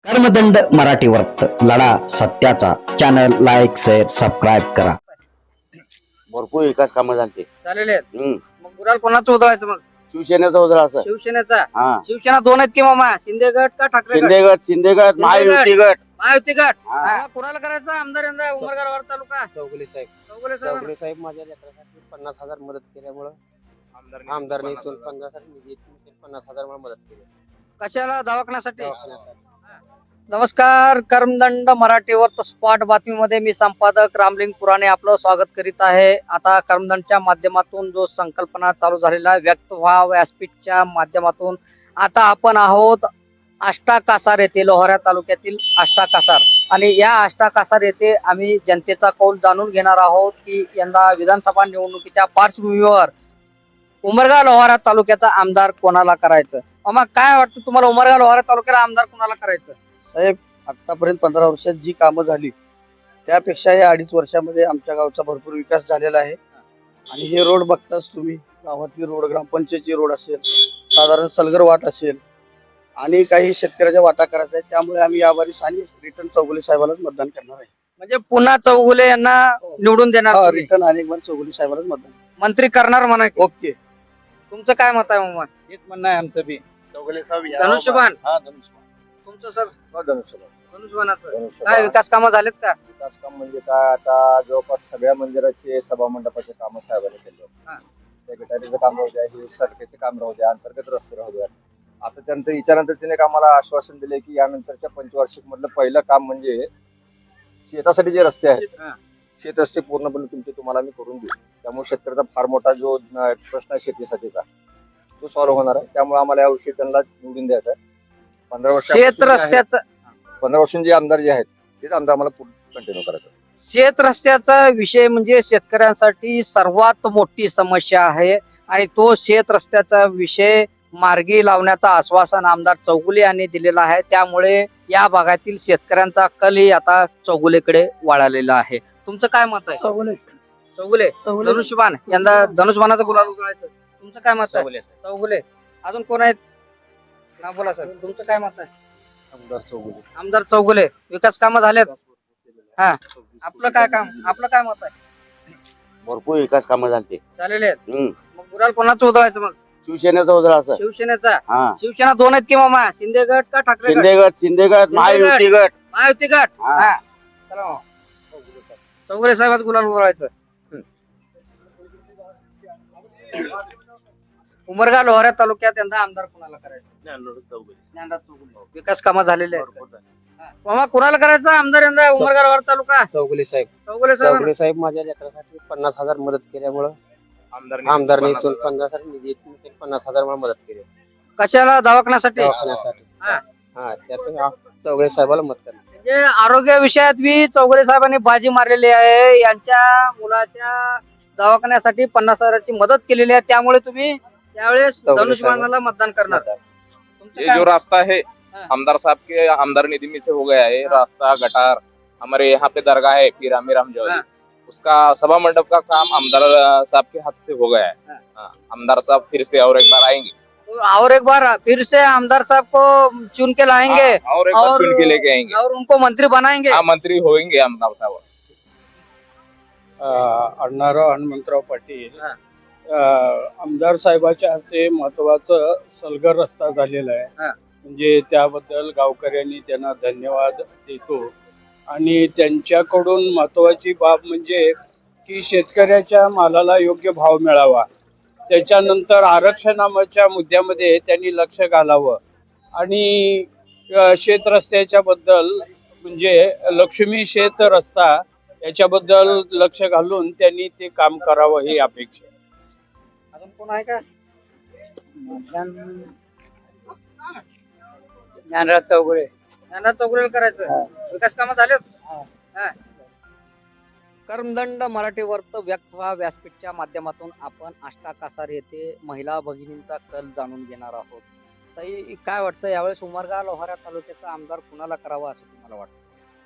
कर्मदंड मराठी वर्त लढा सत्याचा चॅनल लाईक शेअर सबस्क्राईब करा. भरपूर विकास कामं झालते. झालेले आहेत. मग गुलाल कोणाचं उधळायचं मग? शिवसेनेचा उजळा असं शिवसेनेचा. हा शिवसेना दोन आहेत की मामा, शिंदे गट का ठाकरे गट? शिंदे गट महायुती गट. महायुती गट. हा. हा, कोणाला करायचं आमदार यंदा उमरगाड वार तालुका? चौगुले साहेब चौगुले साहेब. चौगुले साहेब माझ्या लेकरासाठी 50,000 मदत केल्यामुळं आमदारने इथून 50,000 मला मदत केली कशाला? दवाखान्यासाठी. दवाखान्यासाठी. नमस्कार, कर्मदंड मराठीवर स्पॉट बातमीमध्ये मी संपादक रामलिंग पुराणे आपलं स्वागत करीत आहे. आता कर्मदंडच्या माध्यमातून जो संकल्पना चालू झालेला आहे, व्यक्त व्हा व्यासपीठच्या माध्यमातून आता आपण आहोत आष्टा कासार येथे, लोहारा तालुक्यातील आष्टा कासार. आणि या आष्टा कासार येथे आम्ही जनतेचा कौल जाणून घेणार आहोत की यंदा विधानसभा निवडणुकीच्या पार्श्वभूमीवर उमरगा लोहारा तालुक्याचा आमदार कोणाला करायचं. मामा, काय वाटतं तुम्हाला, उमरगा लोहारा तालुक्याला आमदार कोणाला करायचं? साहेब, आतापर्यंत 15 वर्षात जी कामं झाली त्यापेक्षा या 2.5 वर्षामध्ये आमच्या गावचा भरपूर विकास झालेला आहे. आणि हे रोड बघताच तुम्ही, गावातली रोड, ग्रामपंचायतची रोड असेल, साधारण सलगर वाट असेल, आणि काही शेतकऱ्याच्या वाटा करायचा आहे. त्यामुळे आम्ही यावारी आणि रिटर्न चौगुले साहेबालाच मतदान करणार आहे. म्हणजे पुन्हा चौगुले यांना निवडून देणार तुम्ही? रिटर्न अनेक बार चौगुले साहेबालाच मतदान. मंत्री करणार म्हणा की? ओके, तुमचं काय मत आहे मामा? हेच म्हणणं आहे आमचं बी. चौगुले साहेब धनुष्यबाण. हा, धनुष्यबाण. तुमचं सर? धनुष्यबाण. धनुष्यबाणाचं काय विकास कामं झालेत का? विकास काम म्हणजे काय, आता जवळपास सगळ्या मंदिराचे सभा मंडपाचे काम साहेबांनी केले. हा. त्या गटारीचं काम राहू द्या, हे सडकेचे काम राहू द्या, अंतर्गत रस्ते राहू द्या. आता त्यांचं याच्यानंतर त्याने आम्हाला आश्वासन दिले की यानंतरच्या पंचवार्षिक मधलं पहिलं काम म्हणजे शेतासाठी जे रस्ते आहेत, हा. शेत रस्ते पूर्णपणे तुम्हाला आम्ही करून देऊ. त्यामुळे शेतकऱ्याचा फार मोठा जो प्रश्न आहे शेतीसाठीचा, तो सॉल्व्ह होणार आहे. त्यामुळे आम्हाला यावर्षी त्यांना निवडून द्यायचं आहे. 15 वर्ष शेत रस्त्याचं 15 वर्षांचे आमदार जे आहेत तेच आमदार आम्हाला कंटिन्यू करायचं. शेत रस्त्याचा विषय म्हणजे शेतकऱ्यांसाठी सर्वात मोठी समस्या आहे. आणि तो शेत रस्त्याचा विषय मार्गी लावण्याचं आश्वासन आमदार चौगुले यांनी दिलेलं आहे. त्यामुळे या भागातील शेतकऱ्यांचा कलही आता चौगुलेकडे वळालेला आहे. तुमचं काय मत आहे? चौगुले. धनुष्यबाण, यंदा धनुष्यबाणाचा गुलाल उधळायचं. तुमचं काय मत आहे? चौगुले. अजून कोण आहेत? ना बोला सर, तुमचं काय मत आहे? आमदार चौगुले. आमदार चौगुले. विकास कामं झालेत? हा. आपलं काय काम, आपलं काय मत आहे? भरपूर विकास कामं झालते. झालेले आहेत. मग गुलाल कोणाचं उधळायचं मग? शिवसेनेचा उजळा असं शिवसेनेचा. हा शिवसेना दोन आहेत की मामा, शिंदे गट का ठाकरे गट? शिंदे गट महायुती गट. महायुती गट. हा. हा. चला मामा. चौगुले साहेबात गुलाल उधळायचं. उमरगा लोहारा तालुक्यात यंदा आमदार कोणाला करायचं? ज्ञानराज चौगुले. विकास कामं झालेले आहेत. हा. मामा, कोणाला करायचं आमदार यंदा उमरगा लोहारा तालुका? चौगुले साहेब. चौगुले साहेब. चौगुले साहेब माझ्या लेकरासाठी 50,000 मदत केल्यामुळं आमदारने इथून 50,000 मला मदत केली कशाला? दवाखान्यासाठी. दवाखान्यासाठी. हा. हा, त्यातून चौगुले साहेबाला मत करणार. म्हणजे आरोग्य विषयात बी चौगुले साहेबांनी बाजी मारलेली आहे. यांच्या मुलाच्या दवाखान्यासाठी 50,000ची मदत केलेली आहे. त्यामुळे तुम्ही त्यावेळेस चौगुले धनुष्यबाणाला मतदान करणार. तुमचं ये काय जो मत? रास्ता है हाँ। आमदार साहब के आमदार निधि में से हो गया है। हाँ। रास्ता गटार हमारे यहाँ पे दरगाह है पीर आमिर जौहरी, हाँ। उसका सभा मंडप का काम आमदार साहब के हाथ से हो गया है। हाँ। हाँ, आमदार साहब फिर से और एक बार आएंगे। तो और एक बार फिर से आमदार साहब को चुन के लाएंगे हाँ, और एक बार चुन के लेके आएंगे। और उनको मंत्री बनाएंगे. हाँ, मंत्री होंगे आमदार साहब। अण्णाराव हनुमंतराव पाटील. हा. आमदार साहेबाच्या हस्ते महत्वाचं सलगर रस्ता झालेला आहे. हा. म्हणजे त्याबद्दल गावकऱ्यांनी त्यांना धन्यवाद देतो. आणि त्यांच्याकडून महत्वाची बाब म्हणजे की शेतकऱ्याच्या मालाला योग्य भाव मिळावा. त्याच्यानंतर आरक्षणाच्या मुद्द्यामध्ये त्यांनी लक्ष घालावं. आणि शेत रस्त्याच्या बद्दल म्हणजे लक्ष्मी शेत रस्ता याच्याबद्दल लक्ष घालून त्यांनी ते काम करावं ही अपेक्षा. अजून कोण आहे का? ज्ञानराज चौगुले. ज्ञानराज चौगुले करायचं. विकास कामं झालेत? हा. कर्मदंड मराठी वर्त व्यक्त व्हा व्यासपीठच्या माध्यमातून आपण आष्टा कासार येथे महिला भगिनींचा कल जाणून घेणार आहोत. ताई, काय वाटतं यावेळेस उमरगा लोहारा तालुक्याचा आमदार कुणाला करावा असं तुम्हाला वाटतं?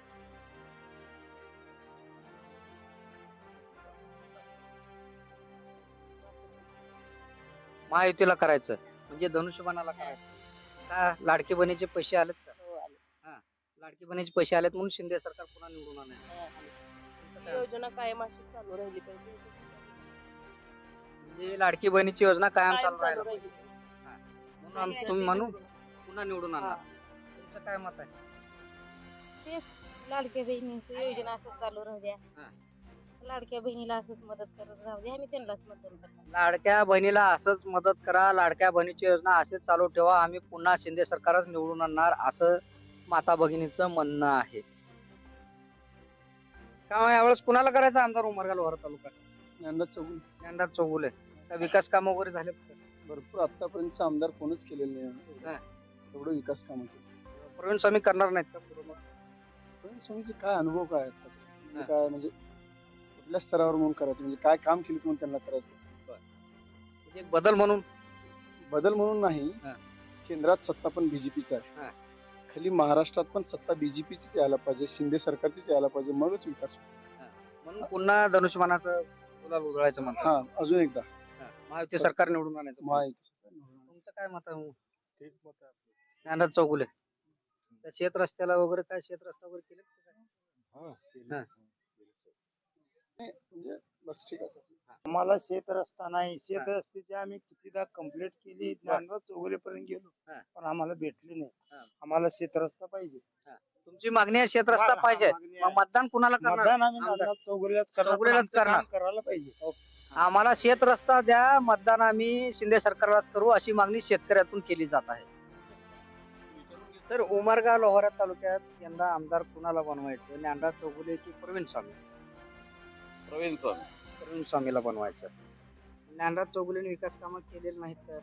महायुतीला करायचं म्हणजे धनुष्यबाणाला करायचं का? लाडकी बहिणीचे पैसे आलेत का? लाडकी बहिणीचे पैसे आलेत म्हणून शिंदे सरकार पुन्हा निवडून आले. योजना कायम अशी चालू राहिली पाहिजे म्हणजे लाडकी बहिणीची योजना कायम कायम चालू चालू राहिली राहिली म्हणून तुम्ही म्हणू पुन्हा निवडून आणणार. तुमचं काय मत आहे? तेच लाडक्या बहिणींची योजना असंच चालू राहू द्या. हा. लाडक्या बहिणीला असंच मदत करत राहू द्या. आम्ही त्यांनाच मतदान करणार. लाडक्या बहिणीला असंच मदत करा, लाडक्या बहिणीची योजना असेच चालू ठेवा, आम्ही पुन्हा शिंदे सरकारच निवडून आणणार असं माता भगिनीचं म्हणणं आहे. का यावेळेस कुणाला करायचं आमदार उमरगा लोहारा तालुका? यंदा चौगुल यंदा चौगुले. काय विकास काम वगैरे झाले? भरपूर आतापर्यंत आमदार कोणच केलेले हा. नाही एवढं विकास काम प्रवीण स्वामी करणार नाहीत का पूर्ण? पण स्वामीचे काय अनुभव काय आहेत? म्हणजे काय म्हणजे कुठल्या स्तरावर म्हणून करायचं म्हणजे काय काम केलं म्हणून त्यांना करायचं म्हणजे एक बदल म्हणून बदल म्हणून नाही. हा. केंद्रात सत्ता पण बीजेपीची आहे, हा. खाली महाराष्ट्रात पण सत्ता बीजेपीचीच यायला पाहिजे, शिंदे सरकारचीच यायला पाहिजे, मगच विकास होईल. म्हणून पुन्हा धनुष्यमानाचं गुलाल उधळायचं म्हणतात. हा अजून एकदा महायुती सरकार निवडून आणायचं. तुमचं काय मत आहे? तेच मत आहे आपलं. ज्ञानराज चौगुले. त्या शेत रस्त्याला वगैरे काय शेत रस्ता वगैरे केले? हा, केलं. हा. नाही, म्हणजे बस ठीक आहे. आम्हाला शेत रस्ता नाही. शेत रस्त्याची आम्ही कितीदा कंप्लेंट केली, ज्ञानराज चौगुलेपर्यंत गेलो, हा. पण आम्हाला भेटली हा. नाही. आम्हाला शेत रस्ता पाहिजे. तुमची मागणी आहे शेत रस्ता हा, पाहिजे. मागणी मग आहे. मतदान कुणाला करणार? मतदान आम्ही आमदार. ज्ञानराज चौगुलेलाच करणार. चौगुलेलाच पण आमचं करणार. काम करायला पाहिजे. आम्हाला शेत रस्ता द्या, मतदान आम्ही शिंदे सरकारलाच करू अशी मागणी शेतकऱ्यातून केली जात आहे. तर उमरगा लोहारा तालुक्यात यंदा आमदार कुणाला बनवायचं? ज्ञानराज चौगुले की प्रवीण स्वामी? प्रवीण स्वामी. प्रवीण स्वामीला बनवायचं. ज्ञानराज चौगुलेने विकास कामं केलेली नाहीत तर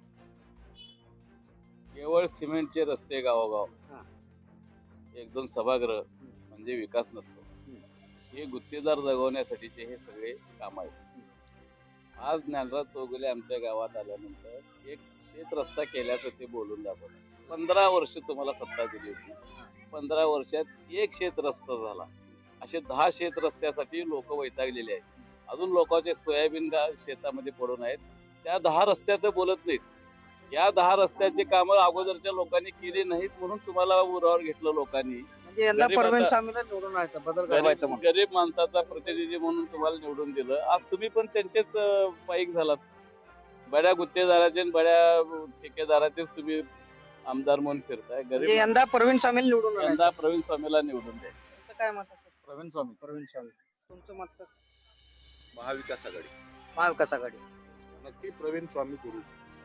केवळ सिमेंटचे रस्ते गावोगाव, हा. एक दोन सभागृह म्हणजे विकास नसतो. हे गुत्तेदार जगवण्यासाठीचे हे सगळे काम आहेत. आज ज्ञानराज चौगुले आमच्या गावात आल्यानंतर एक शेत रस्ता केल्याचं ते बोलून दाखवलं. 15 वर्ष तुम्हाला सत्ता दिली होती, 15 वर्षात एक शेत रस्ता झाला. असे 10 शेत रस्त्यासाठी लोक वैतागलेले आहेत. अजून लोकांचे सोयाबीन शेतामध्ये पडून आहेत. त्या 10 रस्त्याचं बोलत नाहीत. या 10 रस्त्याचे कामं अगोदरच्या लोकांनी केली नाहीत म्हणून तुम्हाला उरावर घेतलं लोकांनी. म्हणजे यंदा गरीब प्रवीण आता- स्वामीला निवडून आणायचं, बदल घडवायचं म्हणून. गरीब माणसाचा प्रतिनिधी म्हणून तुम्हाला निवडून दिलं. आज तुम्ही पण त्यांचेच पाईक झालात. बड्या गुत्तेदाराचे आणि बड्या ठेकेदाराचेच तुम्ही आमदार म्हणून फिरताय. म्हणजे गरीब यंदा प्रवीण स्वामीला निवडून आणायचं. यंदा प्रवीण स्वामीला निवडून द्या. तुमचं काय मत असेल? प्रवीण स्वामी. प्रवीण स्वामी. तुमचं मत सर? महाविकास आघाडी. महाविकास आघाडी. नक्की प्रवीण स्वामी करू.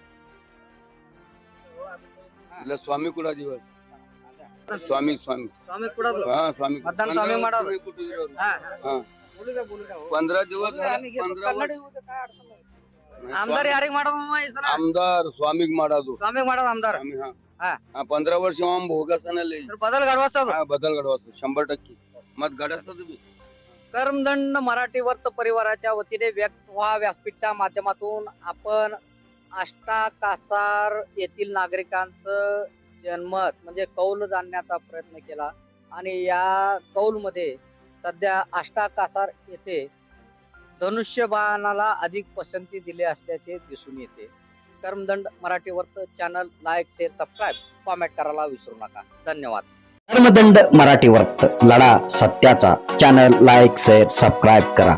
हा. स्वामी कुडा दिवस स्वामी स्वामी स्वामी कुठं जो? हा स्वामी मतदान स्वामी माडा. हा, हा. हा. बोलू द्या, बोलू द्या. हो. 15 दिवस बोलू द्या, आम्ही घेतो. कन्नड येऊ द्या, काय अडचण नाही. आमदार यारिग माडा मामा ಹೆಸರ? आमदार स्वामी माडाजो स्वामी माडा आमदार. हा. 15 वर्ष भोगासना लई तर बदल घडवायचा जो. बदल घडवायचं 100% मत घडायचं तुम्ही. कर्मदंड मराठी वर्त परिवाराच्या वतीने व्यक्त व्हा व्यासपीठच्या माध्यमातून आपण आष्टा कासार येथील नागरिकांचं जनमत म्हणजे कौल जाणण्याचा प्रयत्न केला आणि या कौलमध्ये सध्या आष्टा कासार येथे धनुष्यबाणाला अधिक पसंती दिली असल्याचे दिसून येते. कर्मदंड मराठी वर्त channel like share subscribe comment करायला विसरू नका. धन्यवाद. कर्मदंड मराठी वर्त लढा सत्याचा. चॅनल लाईक शेअर सबस्क्राईब करा.